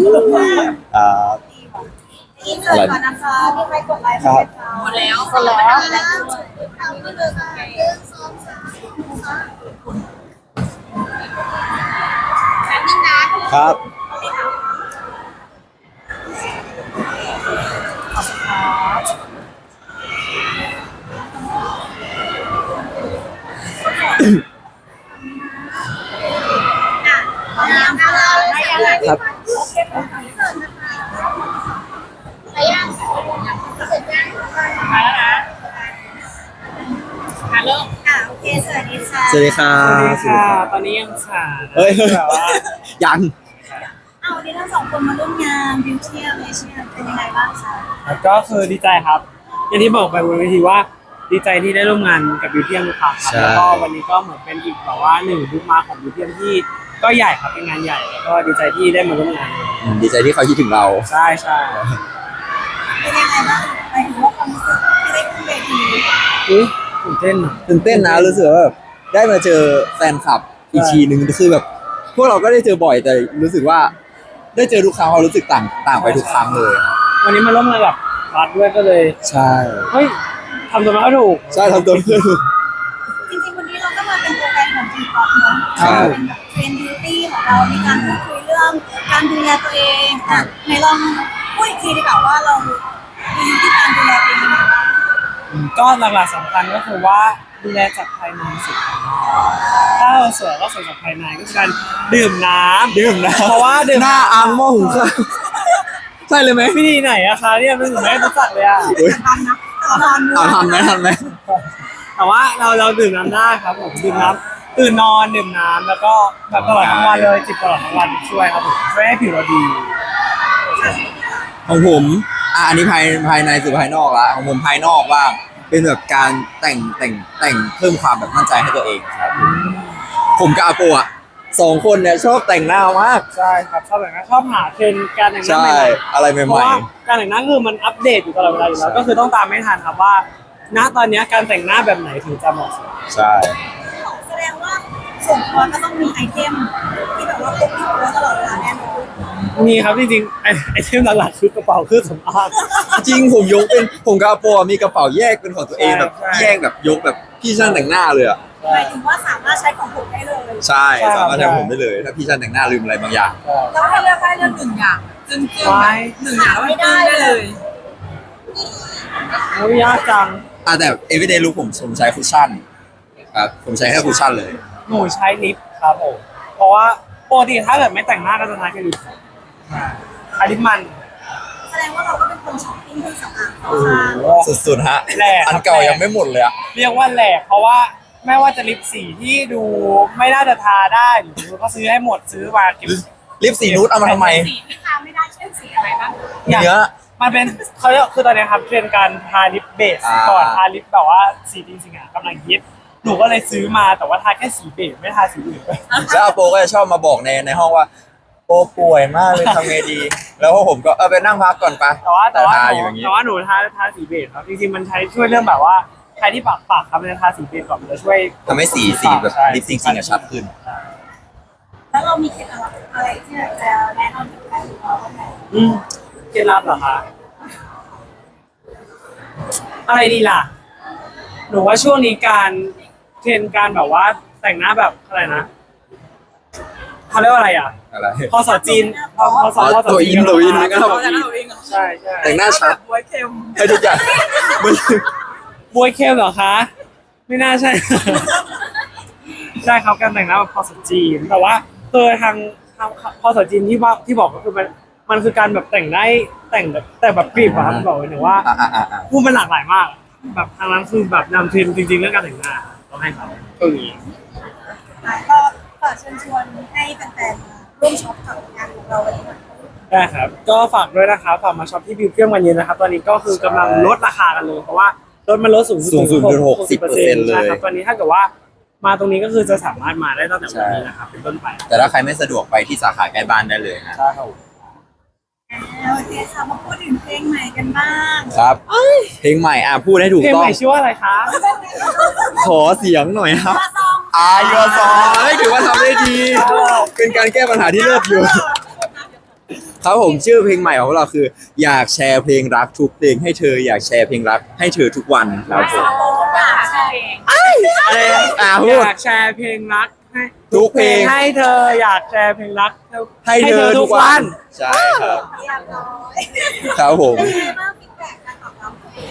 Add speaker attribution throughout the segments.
Speaker 1: อินเสิร์ตก่อนนะคะมีใครกดไลค์ไหมคะหมดแล้วหมดแล้วเอาไปเลยค่ะแป๊บนึงนะครับ
Speaker 2: ครับ
Speaker 1: ไปยังเสร็จยังมาแล้วนะเริ่มโอเคสวัสดีค่ะ
Speaker 2: สวัสดีครั
Speaker 3: สวัส
Speaker 2: บ
Speaker 3: ดีค่ะ ตอนนี้ยังขาด
Speaker 2: เฮ้ย
Speaker 3: แบบว่า
Speaker 2: ยัง
Speaker 1: วันนี้ทั้งสองคนมาร่วมงานบิวเทียมเอเชียเป็นยังไงบ้างคะ
Speaker 3: ก็คือดีใจครับ อย่างที่บอกไปบนเวทีว่าดีใจที่ได้ร่วมงานกับบิวเทียมครับแล้วก็วันนี้ก็เหมือนเป็นอีกแบบว่าหนึ่งบุ๊กมาของบิวเทียมที่ก็ใหญ่ครับเป็นงานใหญ่แล้วก็ดีใจที่ได้มาร่วมงาน
Speaker 2: ดีใจที่เขาคิดถึงเรา
Speaker 3: ใช่ใช่
Speaker 1: เป็นยังไงบ้างหมายถึงว่าความรู้สึกที่ได้ขึ้นเวที
Speaker 3: อุ๊ยตื่นเต้นอะ
Speaker 2: ตื่นเต้นนะรู้สึกว่าแบบได้มาเจอแฟนคลับอีกทีนึงคือแบบ พวกเราก็ได้เจอบ่อยแต่รู้สึกว่าได้เจอทุกครั้งเรารู้สึกต่างไปทุกครั้งเลยครับ
Speaker 3: วันนี้มาร่วมงานกับรัฐด้วยก็เลย
Speaker 2: ใช่
Speaker 3: เฮ้ยทำตัวมาก็ถูก
Speaker 2: ใช่ทำตัวเพื่อน
Speaker 1: จริงๆวันนี้เราก็มาเป็นตัวแทนของทีป๊อปเนาะ
Speaker 2: ครับ
Speaker 1: เป็นแบบเทรนด์บิวตี้ของเราในการพูดคุยเรื่องการดูแลตัวเองไหนลองพูดอีกทีดีกว่าว่าเรามีวิธีการดูแลตัวเองยังไงบ้าง
Speaker 3: ก็หลักๆสำคัญก็คือว่าดูแลจากภายในสุดถ้าเราสวยก็สวยจากภายในก็คือการดื่มน้ำ
Speaker 2: ดื่มนะ
Speaker 3: เพราะว่าดื่ม
Speaker 2: หน้าอังหม้อหุงข้าวใช่เลยไหม
Speaker 3: วิธีไหนอะคะเนี่ยมันถึงไม่รู้จักเลยอะ
Speaker 1: ทันนะทัน
Speaker 2: ทันไหม
Speaker 3: แต่ว่าเราดื่มน้ำได้ครับผมดื่มน้ำตื่นนอนดื่มน้ำแล้วก็แบบตลอดทั้งวันเลยจิบตลอดทั้งวันช่วยครับผมช่วยให้ผิวเราดี
Speaker 2: ของผมอันนี้ภายในสู่ภายนอกละของผมภายนอกว่าเป็นแบบการแต่งเพิ่มความแบบมั่นใจให้ตัวเองครับผมกับอาโปะ2 คนเนี่ยชอบแต่งหน้ามาก
Speaker 3: ใช่ครับชอบแบบนั้นชอบหาเทรนด์การแต่งหน้า
Speaker 2: ใช่
Speaker 3: ใหม่
Speaker 2: อะไร
Speaker 3: ๆเพ
Speaker 2: ให
Speaker 3: ราะ
Speaker 2: ม่
Speaker 3: ว่าการแต่งหน้าคือมันอัปเดตอยู่ตลอดเวลาอยู่แล้วก็คือต้องตามไม่ทันครับว่าณตอนนี้การแต่งหน้าแบบไหนถึงจะเหมาะสม
Speaker 2: ๆใช่
Speaker 1: แสดงว่าส่วนตัวก็ต้องมีไอเทมที่แบบว่าพกที่ตัวตลอดเวลาแน่นอน
Speaker 3: มีครับจริงๆไอเทมหลักๆคือกระเป๋าเครื่องสำอาง
Speaker 2: จริงผมยกเป็นผมกับอาโปะมีกระเป๋าแยกเป็นของตัวเองแบบ
Speaker 3: ใช่
Speaker 2: แยกแบบยกแบบพี่ช่างแต่งหน้าเลยอ่ะ
Speaker 1: หมายถึงว่าสามารถใช้ของผมได้เลย
Speaker 2: ใช่สามารถทำผมได้เลย ถ้าพี่ช่างแต่งหน้าลืมอะไรบางอย่าง
Speaker 1: แล้วถ้าเลือกได้เลือกหนึ่งอย่างจึง
Speaker 3: ไว้
Speaker 1: หนึ่งอย่างไม่ได้เลย
Speaker 3: โอ้ยยากจัง
Speaker 2: แต่ everyday look ผมใช้คุชชั่นครับผมใช้แค่คุชชั่นเลย
Speaker 3: หนูใช้ลิปครับผมเพราะว่าปกติถ้าเกิดไม่แต่งหน้าก็จะใช้แค่ลิปอันลิปมัน
Speaker 1: แสดงว่าเราก็เป็นคนช้อปปิ้งเครื่องสำอาง
Speaker 3: โอ้โห
Speaker 2: สุดๆฮะ
Speaker 3: แหลกครับ
Speaker 2: อันเก่ายังไม่หมดเลยอ่ะ
Speaker 3: เรียกว่าแหลกเพราะว่าไม่ว่าจะลิปสีที่ดูไม่น่าจะทาได้หรือก็ซื้อให้หมดซื้อมาเก็บ
Speaker 2: ลิปสีนูดเอามาทำไม
Speaker 1: สีที่ทาไม่ได้เช่นสีอะไรบ้าง
Speaker 3: อย่าง
Speaker 2: เนื้อ
Speaker 3: มันเป็นเขาเรียกคือตอนนี้ครับเทรนด์การทาลิปเบส
Speaker 2: อ่า
Speaker 3: ก่อนทาลิปแบบว่าสีจริงๆอ่ะกำลังฮิตหนูก็เลยซื้อมาแต่ว่าทาแค่สีเบสไม่ทาสีอื่น
Speaker 2: แล้วอาโปก็จะชอบมาบอกในห้องว่าโปป่วยมากเลยทำไงดี แล้วพวกผมก็ไปนั่งพักก่อนไป
Speaker 3: แต่ว่า
Speaker 2: ทา
Speaker 3: ห
Speaker 2: อยู่
Speaker 3: นู
Speaker 2: อย่างนี้
Speaker 3: แต่ว่าหนูทาสีเบสครับจริงๆมันใช้ช่วยเรื่องแบบว่าใครที่ปากครับมันจะทาสีเบสก่อนมันจะช่วย
Speaker 2: ทำให้สีแบบ
Speaker 3: ใช่
Speaker 2: ลิปจริงๆอะชัดขึ้น
Speaker 1: แล้วเรามีเคล็ดลับอะไรที่จะแนะนำกับใครหรือเราบ้างไหม
Speaker 3: เคล็ดลับเหรอคะอะไรดีล่ะหนูว่าช่วงนี้การเทรนด์การแบบว่าแต่งหน้าแบบอะไรนะเขาเรียกว่าอะไรอ่ะ
Speaker 2: อะไร
Speaker 3: พอสอจีนพอสอ
Speaker 2: ตัวอินนะครับ
Speaker 3: ใช่ใช่
Speaker 2: แต่งหน้าชัด
Speaker 1: บวยเค็ม
Speaker 2: ให้ทุกอย่างมัน
Speaker 3: บวยเข้มเหรอคะ ไม่น่าใช่ ใช่ครับการแต่งหน้าแบบพอสอจีนแต่ว่าคือทางพอสอจีนที่บอกก็คือมันคือการแบบแต่งได้แต่แบบกรีบอะครับบอกเลยนะว่า พูดมันหลากหลายมาก แบบทางนั้นคือแบบนำเทรนด์จริงๆเรื่องการแต่งหน้าต้องให้เขาตรงนี้
Speaker 1: ก็ฝากเชิญชวนให้แฟนๆร่วมช็อปกับงานของเราวันนี้หน่อย
Speaker 3: ได้ครับ ก็ฝากด้วยนะครับฝากมาช็อปที่บิวเทียมกันเยอะนะครับ ตอนนี้ก็คือกำลังลดราคากันเลย เพราะว่าลดมันลดสูง
Speaker 2: สูงสุดคือ60%
Speaker 3: ใช่ครับตอนนี้ถ้าเกิดว่ามาตรงนี้ก็คือจะสามารถมาได้ตั้งแต่วันนี้นะครับเป็นต้นไป
Speaker 2: แต่ถ้าใครไม่สะดวกไปที่สาขาใกล้บ้านได้เลยฮะ
Speaker 3: ใช่ครับ
Speaker 1: โอเคค่ะมาพูดถึงเพลงใหม่กันบ้าง
Speaker 2: ครับเพลงใหม่พูดให้ถูก
Speaker 3: เพลง
Speaker 2: ต้อ
Speaker 3: ให
Speaker 2: ง
Speaker 3: ม่ชื่อว่าอะไรคะ
Speaker 2: ขอเสียงหน่อยครับ
Speaker 1: มาซอง
Speaker 2: ยูซอให้ถือว่าทำได้ดี เป็นการแก้ปัญหาที่เลิศอยู่ครับผมชื่อเพลงใหม่ของเราคือ อยากแชร์เพลงรักทุกเพลงให้เธออยากแชร์เพลงรักให้เธอทุกวันครับผม
Speaker 1: ใช่
Speaker 3: อะไร
Speaker 2: พูด
Speaker 3: อยากแชร์เพลงรักให้
Speaker 2: ทุกเพลง
Speaker 3: ให้เธออยากแชร์เพลงรัก
Speaker 2: ให้เธอทุกวันใช่ครับ
Speaker 1: เรียบร้อย
Speaker 2: ครับผม
Speaker 1: เป็นไงบ้างฟีดแบ็กการตอบรับ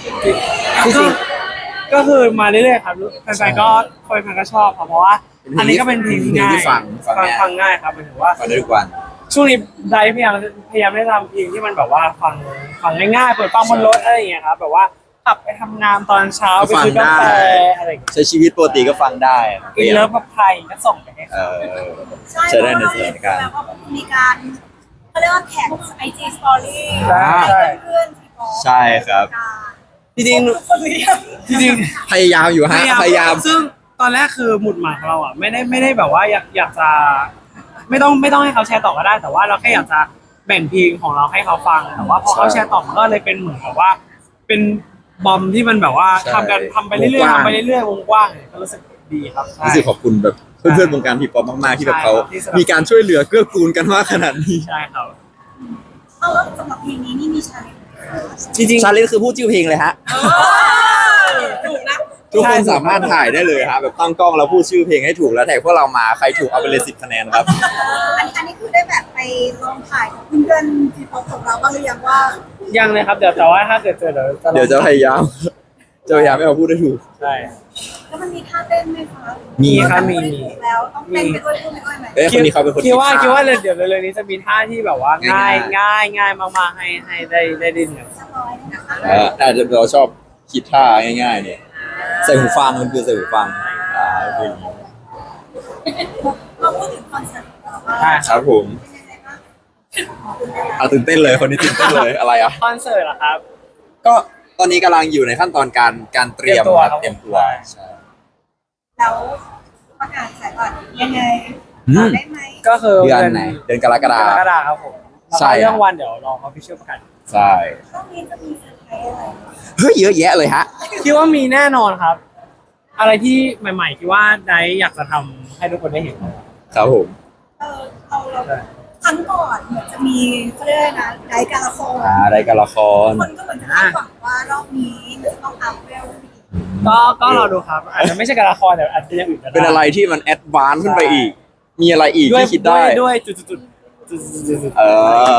Speaker 3: ก็คือมาเรื่อยๆครับแฟนๆก็คนแฟนก็ชอบครับเพราะว่า อันนี้ก็เป็นเพลงที่ง่าย ฟังง่ายครับหมายถึงว่า
Speaker 2: ฟังได้ทุกวัน
Speaker 3: ช่วงนี้ไดพยายามได้ทำเพลงที่มันแบบว่าฟังง่ายๆเปิดฟังบนรถอะไรอย่างเงี้ยครับแบบว่าขับไปทำงานตอนเช้าไปซื้อกาแฟอะไรอย่างเงี้ย
Speaker 2: ใช้ชีวิตปกติก็ฟังได้
Speaker 3: อินเลิฟกับใครก็ส่งไปให้
Speaker 2: เอ
Speaker 3: เขา
Speaker 2: อ
Speaker 1: ใช่
Speaker 2: ใช้ได้ในสถานการณ์
Speaker 1: แล้วก็มีการเขาเรียกว่าแท็กไอจีสตอรี่
Speaker 3: ใช่
Speaker 1: เพื่อนๆที่บอก
Speaker 2: ใช่ครับ
Speaker 3: จริง
Speaker 1: คนเรียน
Speaker 3: ๆจริงๆ
Speaker 2: พยายามอยู่ฮะพยายาม
Speaker 3: ซึ่งตอนแรกคือหมุดหมายของเราอ่ะไม่ได้แบบว่าอยากจะไม่ต้องให้เขาแชร์ต่อก็ได้ แต่ว่าเราแค่อยากจะแบ่งเพลงของเราให้เขาฟังแต่ว่าพอเขาแชร์ต่อมันก็เลยเป็นเหมือนกับว่า เป็นบอมที่มันแบบว่า
Speaker 2: ใช่
Speaker 3: ทำไปเรื่อยว
Speaker 2: งกว้าง
Speaker 3: ๆทำไปเรื่อยๆวงกว้างเนี่ยก็รู้สึกดีครับใช่
Speaker 2: รู้สึกขอบคุณแบบเพื่อนๆวงการทีป๊อปมากๆที่แบบเขา
Speaker 3: ใช่ครับที่สนับสนุน
Speaker 2: มีการช่วยเหลือเกื้อกูลกันมากขนาดนี้
Speaker 3: ใช่ครับ
Speaker 1: เอาแล้วสำหรับเพลงนี้นี่มีชาเลนจ์
Speaker 3: จริง
Speaker 2: ชาเลนจ์คือพูดชื่อเพลงเลยฮะ
Speaker 1: ถูกนะ
Speaker 2: ทุกคนสามารถถ่ายได้เลยฮะแบบตั้งกล้องแล้วพูดชื่อเพลงให้ถูกแล้วแท็กพวกเรามาใครถูกเอาไปเลย10 คะแนนครับ
Speaker 1: อันนี้คือได้แบบไปลองถ่ายกับเพื่อนๆที่พบของเราบ้างหรือยังว่า
Speaker 3: ๆยังเลยครับเดี๋ยวแต่ว่าถ้าเกิดเจอเดี๋ยว
Speaker 2: เดี๋ยวจะพยายามให้เขาพูดได้ถูก
Speaker 3: ใช่
Speaker 1: แล้วมันมีท่าเต้นไหมคะ
Speaker 2: มีครับ
Speaker 1: มีถูกแล้วต้องเต้นไปด้วยพูดไปด้วยไหม
Speaker 2: เอ้ยคนนี้เขาเป็นคน
Speaker 3: คิดว่า
Speaker 2: ท่
Speaker 3: เดี๋ยวเร็วๆนี้จะมีท่าที่แบบว่าง่าย
Speaker 2: ง่าย
Speaker 3: ง่ายมากๆให้ได้ดินกัน
Speaker 1: สักร้อยนะคะ
Speaker 2: แต่เราชอบคิดท่าง่ายๆเนี่ยใส่หูฟังมันคือใส่หูฟังเพลงนี้
Speaker 1: เราพูดถึงคอนเสิร์ตของเราว่า
Speaker 3: ใช่
Speaker 2: ครับผม
Speaker 1: เป็นยังไงบ้าง
Speaker 2: เอาตื่นเต้นเลยคนนี้ตื่นเต้นเลยอะไรอ่ะ
Speaker 3: คอนเสิร์ตเหรอครับ
Speaker 2: ก็ตอนนี้กำลังอยู่ในขั้นตอนการเตรียมครับเตรียมตัวใช่
Speaker 1: แล้วประกาศขายบัตรยังไง
Speaker 2: อืม
Speaker 1: ได้ไหม
Speaker 3: ก็คือ
Speaker 2: เดือนไหนเดือนกรกฎาค
Speaker 3: ก
Speaker 2: ม
Speaker 3: รกฎาคมครับผม
Speaker 2: ใช่
Speaker 3: แล้วก็เรื่องวันเดี๋ยวรอเขาพิเศษประกาศ
Speaker 2: ใช่
Speaker 1: ช่วงนี้จะมีเซอร์ไพรส์อะไร
Speaker 2: เฮ้ยเยอะแยะเลยฮะ
Speaker 3: คิดว่ามีแน่นอนครับ อะไรที่ใหม่ๆคิดว่าไดอยากจะทำให้ทุกคนได้เห็น
Speaker 2: ครับผม
Speaker 1: เราครั้งก่อนเหมือนจะมีเขาเรียกอะไรนะไดการละคร
Speaker 2: รายการละคร
Speaker 1: คนก็เหมือนจะคาดหวังว่ารอบนี้มันจะต้องอัพเวลอีก
Speaker 3: ก็รอดูครับ อาจจะไม่ใช่การละครแต่อาจจะอย่างอื่นก็ได้
Speaker 2: เป็นอะไรที่มันแอดวานซ์ขึ้นไปอีก มีอะไรอีก
Speaker 3: ด้วย
Speaker 2: ที่คิดได้
Speaker 3: ด้วยจุด
Speaker 2: เออ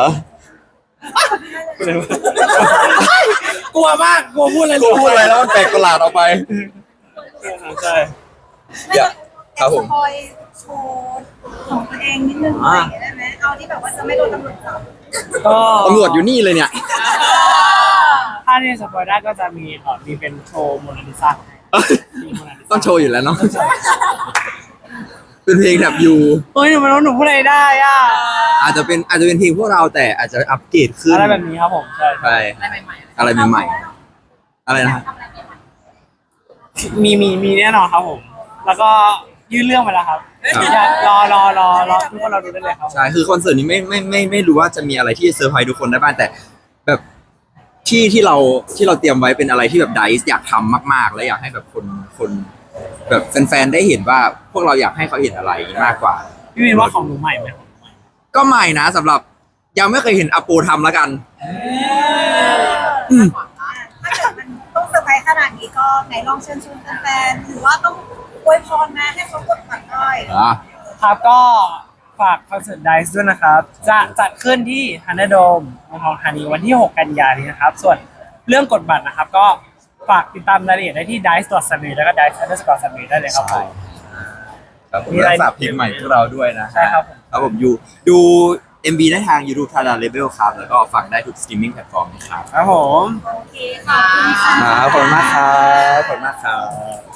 Speaker 3: กลัวมากกลัวพูดอะไร
Speaker 2: กูพูดอะไรแล้วมันแปลกประหลาดออกไป
Speaker 3: ใช่
Speaker 2: อย่าครับผม
Speaker 1: สปอยโชว์ของตัวเองนิดนึงอะไรอย่างเงี้ยได้ไหมเอาที่แบบว่าจะไม่โดนตำรวจจับ
Speaker 3: ก็
Speaker 2: ตำรวจอยู่นี่เลยเนี่ย
Speaker 3: ถ้าที่สปอยได้ก็จะมีมีเป็นโชว์โมนาลิซามีโมนาลิซา
Speaker 2: ต้องโชว์อยู่แล้วเนาะ เป็นเพลงแบบอยู่
Speaker 3: เฮ้ยหนูพูดอะไรได้อ่ะ
Speaker 2: อาจจะเป็นเพลงพวกเราแต่อาจจะอัปเกรดขึ้น
Speaker 3: อะไรแบบนี้ครับผมใช่
Speaker 2: ใช่อะไรใหม่ๆอะไรนะ
Speaker 3: มีแน่นอนครับผม แล้วก็ยื่นเรื่องไปแล้วครับอยากรอทุกคนเราดูได้เลยครับ
Speaker 2: ใช่คือคอนเสิร์ตนี้ไม่รู้ว่าจะมีอะไรที่เซอร์ไพรส์ทุกคนได้บ้างแต่แบบที่เราเตรียมไว้เป็นอะไรที่แบบไดซ์อยากทำมากๆ และอยากให้แบบคนแบบแฟนๆได้เห็นว่าพวกเราอยากให้เขาเห็นอะไรมากกว่า
Speaker 3: พี่วินว่าของหนูใหม่ไหม
Speaker 2: ก็ใหม่นะสำหรับยังไม่เคยเห็นอโปทำแล้วกัน
Speaker 1: ถ้าเกิดมันต้องเซอร์ไพรส์ขนาดนี้ก็ไหนลองเชิญชวนแฟนๆหรือว่าต้องอวยพรนะให้เขากดบัตรได้
Speaker 3: ครับก็ฝากคอนเสิร์ตไดซ์ด้วยนะครับ จะจัดขึ้นที่ฮันเดอร์โดมเมืองทองธานีวันที่ 6 กันยายนนี้นะครับ ส่วนเรื่องกดบัตรนะครับ ก็ฝากติดตามรายละเอียดได้ที่ dice.summit แล้วก็ dice_summit ได้เลยครับผม
Speaker 2: ครับผม
Speaker 3: มีอะไร
Speaker 2: และฝากเพลงใหม่พวกเราด้วยนะ
Speaker 3: ใช่ครับผม
Speaker 2: ครับผมดู MV ได้ทาง YouTube Tada Label ครับแล้วก็ฟังได้ทุก streaming platform นะครับ
Speaker 3: ครับผม
Speaker 1: โอเคขอบคุณค่ะ
Speaker 2: ขอบคุณมากครับขอบคุณมากครับ